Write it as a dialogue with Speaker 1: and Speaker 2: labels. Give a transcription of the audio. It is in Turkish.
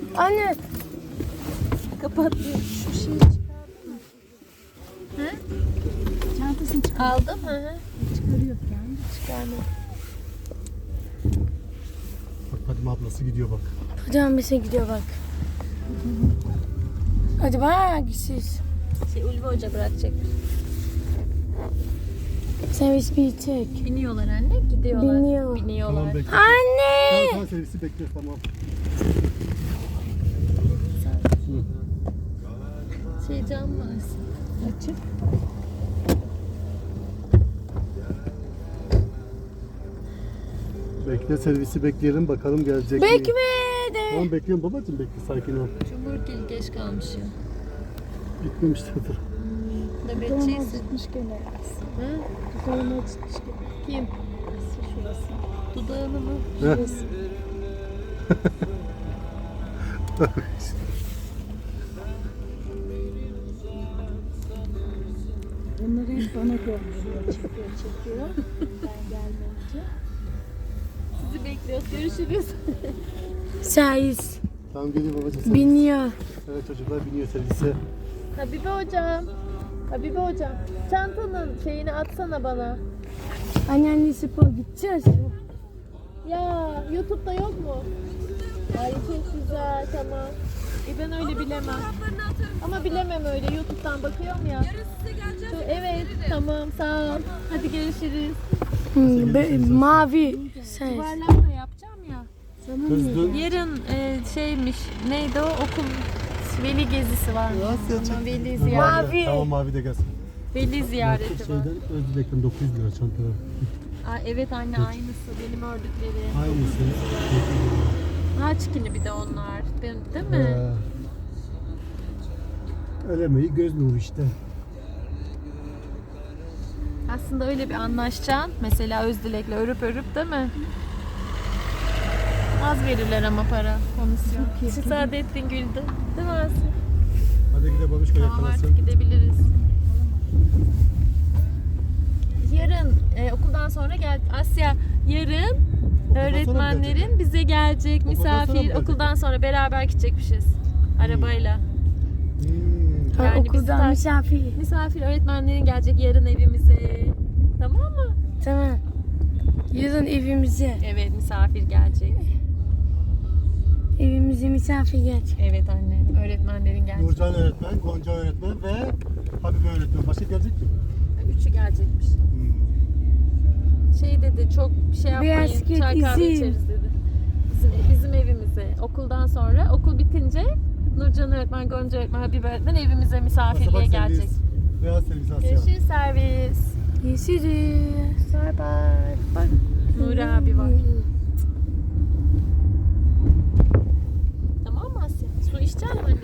Speaker 1: Anne.
Speaker 2: Kapat. Şu şeyi çıkardın mı? Hı? Çantasını çıkar.
Speaker 1: Aldım. Hı hı.
Speaker 2: Çıkarıyor yani.
Speaker 1: Çıkardım.
Speaker 3: Bak Fadime ablası gidiyor bak.
Speaker 1: Hocam bize gidiyor bak. Hadi bak siz.
Speaker 2: Ulvi Hoca bırakacak.
Speaker 1: Servis bitecek.
Speaker 2: Biniyorlar anne. Gidiyorlar. Biniyorlar.
Speaker 3: Tamam bekle.
Speaker 1: Anne.
Speaker 3: Tamam servisi bekle tamam.
Speaker 2: Cam var. Açık.
Speaker 3: Bekle servisi bekleyelim bakalım gelecek mi?
Speaker 1: Bekmedi.
Speaker 3: Tamam bekliyorum babacığım bekle sakin ol.
Speaker 2: Cumhurgil geç kalmış ya.
Speaker 3: Gitmemişlerdir.
Speaker 2: Nöbetçiyse.
Speaker 4: Gitmiş gene.
Speaker 2: Hı?
Speaker 4: Dudağına çıkmış gene.
Speaker 2: Kim?
Speaker 4: Şurası.
Speaker 2: Dudağını mı?
Speaker 3: Heh.
Speaker 4: Bunları hep bana gönderiyor. Çekiyor. Ben gelmeyince.
Speaker 2: Sizi bekliyoruz. Görüşürüz.
Speaker 1: Servis
Speaker 3: Tamam geliyor babacığım servis.
Speaker 1: biniyor.
Speaker 3: Evet çocuklar biniyor servise.
Speaker 2: Habibe hocam. Habibe hocam. Çantanın şeyini atsana bana.
Speaker 1: Anneanne spor gideceğiz.
Speaker 2: Ya YouTube'da yok mu? Ay çok güzel, tamam. Ben öyle bilemem. Ama bilemem öyle. YouTube'dan bakıyorum ya. Yarın size geleceğiz. Evet, tamam, sağ ol. Hadi görüşürüz.
Speaker 1: Mavi. Servis.
Speaker 2: Yuvarlak da yapacağım ya.
Speaker 3: Kızdı.
Speaker 2: Yarın şeymiş, neydi o? Okul veli gezisi var. Ama veli ziyareti.
Speaker 1: Mavi.
Speaker 3: Tamam mavi de gelsin.
Speaker 2: Veli ziyareti var.
Speaker 3: Şeyden Özdilek'ten 900 lira çantalar.
Speaker 2: Aa, evet anne aynısı benim ördüklerim.
Speaker 3: Aynısı.
Speaker 2: Naçkini bir de onlar. Değil mi?
Speaker 3: Elemeyi göz nuru işte.
Speaker 2: Aslında öyle bir anlaşacaksın. Mesela Özdilek'le örüp değil mi? Az verirler ama para, komisyon. Saadettin güldü. Değil mi Asya?
Speaker 3: Hadi gidelim babişko
Speaker 2: Tamam
Speaker 3: yakalasın.
Speaker 2: artık gidebiliriz. Yarın okuldan sonra gel. Asya yarın
Speaker 3: sonra
Speaker 2: öğretmenlerin bize gelecek
Speaker 3: Okuldan sonra mı
Speaker 2: misafir.
Speaker 3: gelecek?
Speaker 2: Okuldan sonra beraber gidecekmişiz. Arabayla.
Speaker 3: Hmm.
Speaker 2: Yani bizi
Speaker 1: Okuldan
Speaker 2: tak-
Speaker 1: misafir.
Speaker 2: Misafir öğretmenlerin gelecek yarın evimize. Tamam mı?
Speaker 1: Tamam. Yarın evimize.
Speaker 2: Evet misafir gelecek.
Speaker 1: Evimize misafir gelecek.
Speaker 2: Evet anne öğretmenlerin gelecek.
Speaker 3: Nurcan öğretmen, Gonca öğretmen ve Habibe öğretmen. Başka gelecek mi?
Speaker 2: Üçü gelecekmiş. Şey dedi çok şey yapmayın
Speaker 1: Birazcık
Speaker 2: çay kahve
Speaker 1: izin.
Speaker 2: içeriz dedi. Bizim evimize okuldan sonra okul bitince Nurcan öğretmen, Gonca öğretmen, Habibe öğretmen evimize misafirliğe
Speaker 3: Pasaport
Speaker 2: gelecek.
Speaker 3: servis. Beyaz servis Asya.
Speaker 2: Görüşürüz servis.
Speaker 1: Görüşürüz.
Speaker 2: Bye bye. Bak Nuri abi var.